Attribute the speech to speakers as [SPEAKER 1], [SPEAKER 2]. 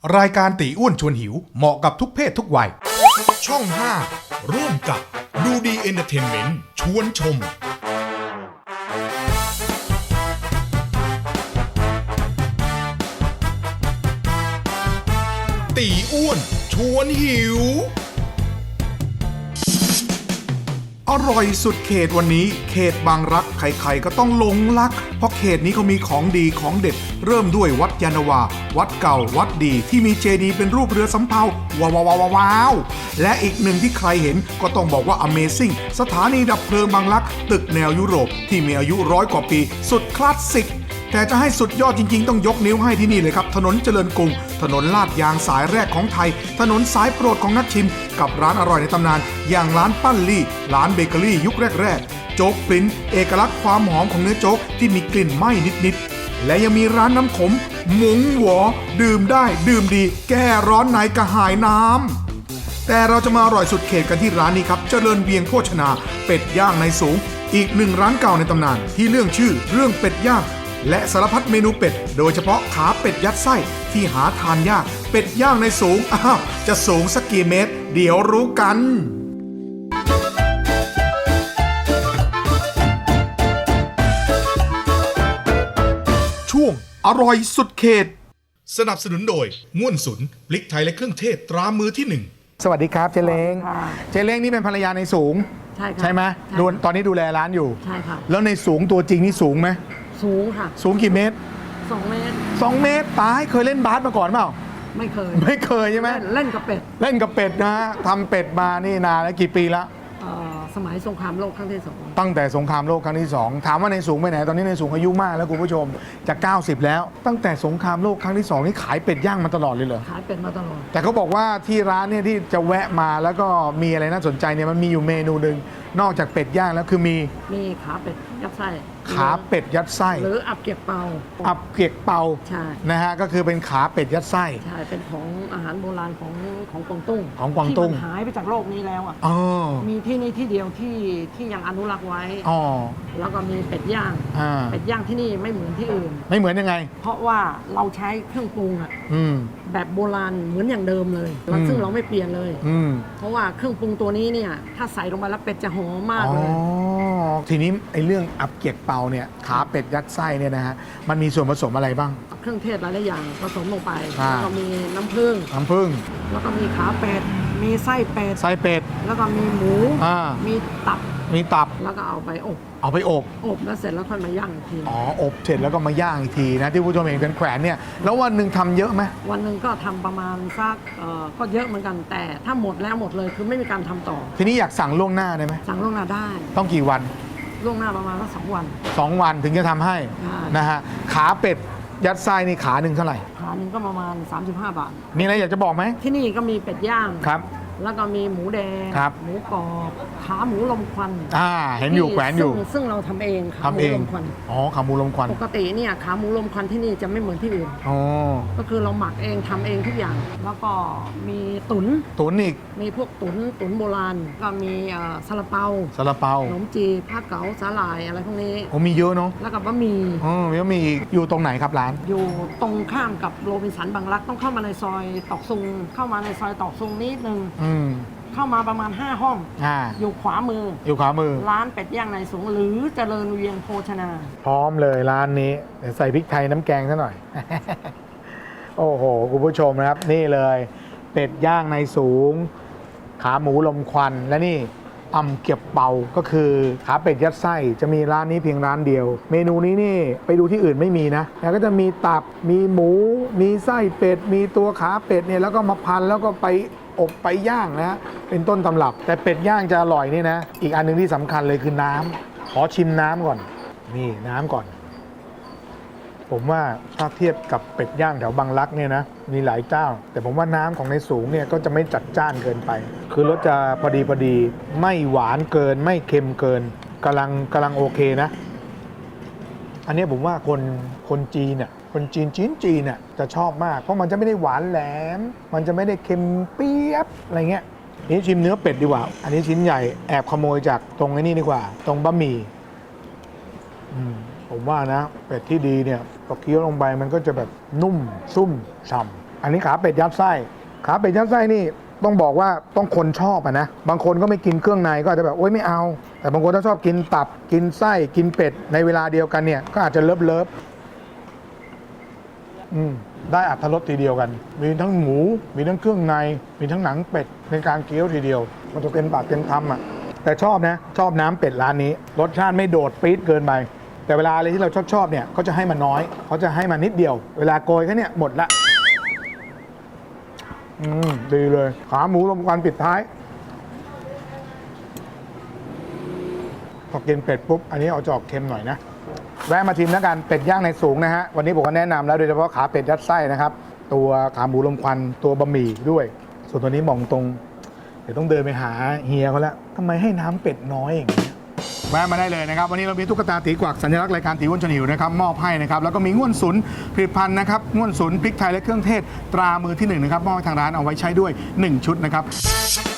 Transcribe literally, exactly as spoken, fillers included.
[SPEAKER 1] รายการตีอ้วนชวนหิวเหมาะกับทุกเพศทุกวัยช่องห้าร่วมกับดูดีเอนเตอร์เทนเมนต์ชวนชมตีอ้วนชวนหิวอร่อยสุดเขตวันนี้เขตบางรักใครๆก็ต้องหลงรักเพราะเขตนี้เขามีของดีของเด็ดเริ่มด้วยวัดยานนาวาวัดเก่าวัดดีที่มีเจดีย์เป็นรูปเรือสำเภาว้าวว้าวว้าวและอีกหนึ่งที่ใครเห็นก็ต้องบอกว่า Amazing สถานีดับเพลิงบางรักตึกแนวยุโรปที่มีอายุร้อยกว่าปีสุดคลาสสิกแต่จะให้สุดยอดจริงๆต้องยกนิ้วให้ที่นี่เลยครับถนนเจริญกรุงถนนลาดยางสายแรกของไทยถนนสายโปรดของนักชิมกับร้านอร่อยในตำนานอย่างร้านปั้นลี่ร้านเบเกอรี่ยุคแรกๆโจ๊กปริ้นเอกลักษณ์ความหอมของเนื้อโจ๊กที่มีกลิ่นไหม้นิดๆและยังมีร้านน้ำขมหมงหวอดื่มได้ดื่มดีแก้ร้อนในกระหายน้ำแต่เราจะมาอร่อยสุดเขตกันที่ร้านนี้ครับเจริญเวียงโภชนาเป็ดย่างในสูงอีกหนึ่งร้านเก่าในตำนานที่เรื่องชื่อเรื่องเป็ดย่างและสารพัดเมนูเป็ดโดยเฉพาะขาเป็ดยัดไส้ที่หาทานยากเป็ดย่างในสูงอ้าวจะสูงสักกี่เมตรเดี๋ยวรู้กันช่วงอร่อยสุดเขตสนับสนุนโดยง่วนสุนพริกไทยและเครื่องเทศตรามือที่หนึ่งสวัสดีครับเจเล้งเจเล้งนี่เป็นภรรยาในสูง
[SPEAKER 2] ใช่ค่ะ
[SPEAKER 1] ใช่ไหมดูตอนนี้ดูแลร้านอยู่
[SPEAKER 2] ใช่ค่ะ
[SPEAKER 1] แล้วในสูงตัวจริงนี่สูงไหม
[SPEAKER 2] สูงค่ะ
[SPEAKER 1] สูงกี่เมตร
[SPEAKER 2] สองเมตร
[SPEAKER 1] สองเมตรตายเคยเล่นบาสมาก่อนเปล่า
[SPEAKER 2] ไม่เคย
[SPEAKER 1] ไม่เคยใช่ไหม
[SPEAKER 2] เล่นกับเป็ด
[SPEAKER 1] เล่นกับเป็ดนะฮะทำเป็ดมานี่นานแล้วกี่ปีละ
[SPEAKER 2] สมัยสงครามโลกครั้งที่สอง
[SPEAKER 1] ตั้งแต่สงครามโลกครั้งที่สองถามว่าในสูงไปไหนตอนนี้ในสูงอายุมากแล้วคุณผู้ชมจะเก้าสิบแล้วตั้งแต่สงครามโลกครั้งที่สองนี่ขายเป็ดย่างมาตลอดเลยเหรอ
[SPEAKER 2] ขายเป็ดมาตลอด
[SPEAKER 1] แต่เขาบอกว่าที่ร้านเนี่ยที่จะแวะมาแล้วก็มีอะไรน่าสนใจเนี่ยมันมีอยู่เมนูหนึ่งนอกจากเป็ดย่างแล้วคือมี
[SPEAKER 2] มีขาเป็ดยัดไส้
[SPEAKER 1] ขาเป็ดยัดไส้
[SPEAKER 2] หรืออับเกียกเปา
[SPEAKER 1] อับเกียกเปา
[SPEAKER 2] ใช่
[SPEAKER 1] นะฮะก็คือเป็นขาเป็ดยัดไส้
[SPEAKER 2] ใช่เป็นของอาหารโบราณของของกวางตุ้ง
[SPEAKER 1] ของกวางตุ้ง
[SPEAKER 2] ที่มันหายไปจากโลกนี้แล้วอ่ะมีที่นี่ที่เดียวที่ที่ยังอนุรักษ์ไว้แล้วก็มีเป็ดย่างเป็ดย่างที่นี่ไม่เหมือนที่อื่น
[SPEAKER 1] ไม่เหมือนยังไง
[SPEAKER 2] เพราะว่าเราใช้เครื่องปรุงอ่ะแบบโบราณเหมือนอย่างเดิมเลยซึ่งเราไม่เปลี่ยนเลยเพราะว่าเครื่องปรุงตัวนี้เนี่ยถ้าใส่ลงไปแล้วเป็ดจะหอมมากเลย
[SPEAKER 1] ทีนี้ไอ้เรื่องอับเกียกเปาเนี่ยขาเป็ดยัดไส้เนี่ยนะฮะมันมีส่วนผสมอะไรบ้าง
[SPEAKER 2] เครื่องเทศหลายๆอย่างผสมลงไปแล้วก็มีน้ำผึ้ง
[SPEAKER 1] น้ำผึ้ง
[SPEAKER 2] แล้วก็มีขาเป็ดมีไส้เป็ด
[SPEAKER 1] ไส้เป็ด
[SPEAKER 2] แล้วก็มีหมูมีตับ
[SPEAKER 1] มีตับ
[SPEAKER 2] แล้วก็เอาไปอบ
[SPEAKER 1] เอาไปอบ
[SPEAKER 2] อบแล้วเสร็จแล้วค่อยมาย่างอีกที
[SPEAKER 1] อ๋ออบเสร็จแล้วก็มาย่างอีกทีนะที่ผู้ชมเห็นเป็นแขวนเนี่ยแล้ววันหนึ่งทำเยอะไหม
[SPEAKER 2] วันหนึ่งก็ทำประมาณสักก็เยอะเหมือนกันแต่ถ้าหมดแล้วหมดเลยคือไม่มีการทำต่อ
[SPEAKER 1] ทีนี้อยากสั่งล่วงหน้าได้ไหม
[SPEAKER 2] สั่งล่วงหน้าได้
[SPEAKER 1] ต้องกี่วัน
[SPEAKER 2] ล่วงหน้าประมาณสักสองวัน
[SPEAKER 1] สองวันถึงจะทำให้นะฮะขาเป็ดยัดไส้นี่ขาหนึ่งเท่าไหร่
[SPEAKER 2] ขาหนึ่งก็ประมาณสามสิบห้าบาท
[SPEAKER 1] มีอะไรอยากจะบอกไหม
[SPEAKER 2] ที่นี่ก็มีเป็ดย่าง
[SPEAKER 1] ครับ
[SPEAKER 2] แล้วก็มีหมูแดงหมูกรอบขาหมูลมควัน
[SPEAKER 1] อ่าเห็นอยู่แขวนอยู่
[SPEAKER 2] ซึ่งเราทำเอง
[SPEAKER 1] ขาหมูลมควันอ๋อขาหมูลมควัน
[SPEAKER 2] ปกติเนี่ยขาหมูลมควันที่นี่จะไม่เหมือนที่อื่น
[SPEAKER 1] อ๋อ
[SPEAKER 2] ก็คือเราหมักเองทำเองทุกอย่างแล้วก็มีตุ๋น
[SPEAKER 1] ตุ๋นอีก
[SPEAKER 2] มีพวกตุ๋นตุ๋นโบราณก็มีซาลาเปา
[SPEAKER 1] ซาลาเปา
[SPEAKER 2] ขนมจีบผ้าเก๋าสาหร่ายอะไรพวกนี้
[SPEAKER 1] โอ้มีเยอะเนาะ
[SPEAKER 2] แล้วก็บะหมี่
[SPEAKER 1] อ๋อมีบะหมี่อยู่ตรงไหนครับร้าน
[SPEAKER 2] อยู่ตรงข้ามกับโรบินสันบางรักต้องเข้ามาในซอยตอกซุงเข้ามาในซอยตอกซุงนิดนึงเข้ามาประมาณห้าห้องออยู่ขวามือ
[SPEAKER 1] อยู่ขวามือ
[SPEAKER 2] ร้านเป็ดย่างในสูงหรือเจริญเวียงโภชนา
[SPEAKER 1] พร้อมเลยร้านนี้เดี๋ยวใส่พริกไทยน้ำแกงซะหน่อย โอ้โหคุณผู้ชมนะครับนี่เลยเป็ดย่างในสูงขาหมูลมควันและนี่อ่ำเกียบเปาก็คือขาเป็ดยัดไส้จะมีร้านนี้เพียงร้านเดียวเมนูนี้นี่ไปดูที่อื่นไม่มีนะแล้วก็จะมีตับมีหมูมีไส้เป็ดมีตัวขาเป็ดเนี่ยแล้วก็มาพันแล้วก็ไปอบไปย่างนะเป็นต้นตำรับแต่เป็ดย่างจะอร่อยนี่นะอีกอันนึงที่สำคัญเลยคือน้ำขอชิมน้ำก่อนนี่น้ำก่อนผมว่าถ้าเทียบกับเป็ดย่างแถวบางรักเนี่ยนะมีหลายเจ้าแต่ผมว่าน้ำของในสูงเนี่ยก็จะไม่จัดจ้านเกินไปคือรสจะพอดีพอดีไม่หวานเกินไม่เค็มเกินกำลังกำลังโอเคนะอันนี้ผมว่าคนคนจีนเนี่ยคนจีนจีนจีนเนี่ยจะชอบมากเพราะมันจะไม่ได้หวานแหลมมันจะไม่ได้เค็มเปี๊ยบอะไรเงี้ยนี่ชิมเนื้อเป็ดดีกว่าอันนี้ชิ้นใหญ่แอบขโมยจากตรงนี้ดีกว่าตรงบะหมี่ผมว่านะเป็ดที่ดีเนี่ยพอเคี้ยวลงไปมันก็จะแบบนุ่มซุ่มฉ่ำอันนี้ขาเป็ดยัดไส้ขาเป็ดยัดไส้นี่ต้องบอกว่าต้องคนชอบอะนะบางคนก็ไม่กินเครื่องในก็อาจจะแบบโอ๊ยไม่เอา แต่บางคนถ้าชอบกินตับกินไส้กินเป็ดในเวลาเดียวกันเนี่ยก็อาจจะเลิฟเลิฟอืมได้อรรถรสทีเดียวกัน มีทั้งหมูมีทั้งเครื่องในมีทั้งหนังเป็ดในการเคี้ยวทีเดียวมันจะเป็นปากเป็นคำอ่ะแต่ชอบนะชอบน้ำเป็ดร้านนี้รสชาติไม่โดดปี๊ดเกินไปแต่เวลาอะไรที่เราชอบชอบเนี่ยเขาจะให้มันน้อยเขาจะให้มันนิดเดียวเวลาโกยแค่เนี่ยหมดละอืมดีเลยขาหมูลมควันปิดท้ายพอกินเป็ดปุ๊บอันนี้เอาจะออกเค็มหน่อยนะแวะมาชิมแล้วกันเป็ดย่างในสูงนะฮะวันนี้ผมก็แนะนำแล้วโดยเฉพาะขาเป็ดยัดไส้นะครับตัวขาหมูลมควันตัวบะหมี่ด้วย ส่วนตัวนี้มองตรงเดี๋ยวต้องเดินไปหาเฮียเขาแล้วทำไมให้น้ำเป็ดน้อยอย่างนี้แวะมาได้เลยนะครับวันนี้เรามีตุ๊กตาตีกวักสัญลักษณ์รายการตีอ้วนชวนหิวนะครับมอบให้นะครับแล้วก็มีง่วนสุนผลิตภัณฑ์นะครับง่วนสุนพริกไทยและเครื่องเทศตรามือที่หนึ่งนะครับมอบให้ทางร้านเอาไว้ใช้ด้วยหนึ่งชุดนะครับ